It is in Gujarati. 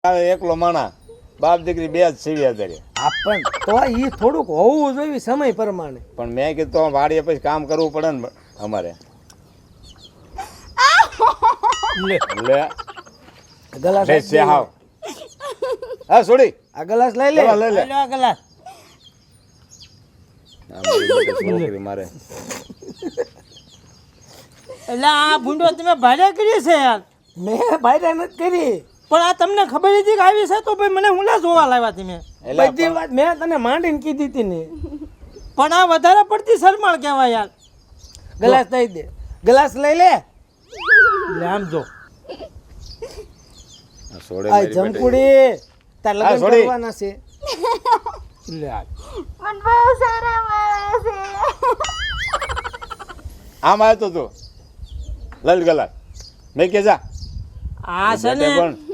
આવે એકલો માણા બાપ દીકરી બે જ સીવ્યા ધરે. પણ તો એ થોડુંક હોવું જોઈએ સમય પ્રમાણે. પણ મેં કીધું વાડીએ પછી કામ કરવું પડે ને અમારે. લે લે ગલાસ લે છે હાવ. હા છોડી આ ગલાસ લઈ લે. લે લે આ ગલાસ આ મારી મોટી છોકરી મારે. એટલે આ ભૂંડો તમે ભાડે કરી છે યાર. મેં ભાઈ નથી કરી. પણ આ તમને ખબર હતી કે આવી છે તો ભાઈ મને હુંલા જોવા લાવ્યા તમે. એલા બધી વાત મેં તને માંડીને કીધી હતી ને. પણ આ વધારે પડતી શરમાળ કહેવાય યાર. ગલાસ દઈ દે. ગલાસ લઈ લે. લે આમ જો આ છોડે આ મારી બેટી. જમકુડી તાર હા, લગ્ન છોડી. કરવાના છે. લે આ. મને બહુ શરમ આવે છે. આમ આવ્યો તો તું લલ ગલા મેં કે જા આ છે ને બેટે પણ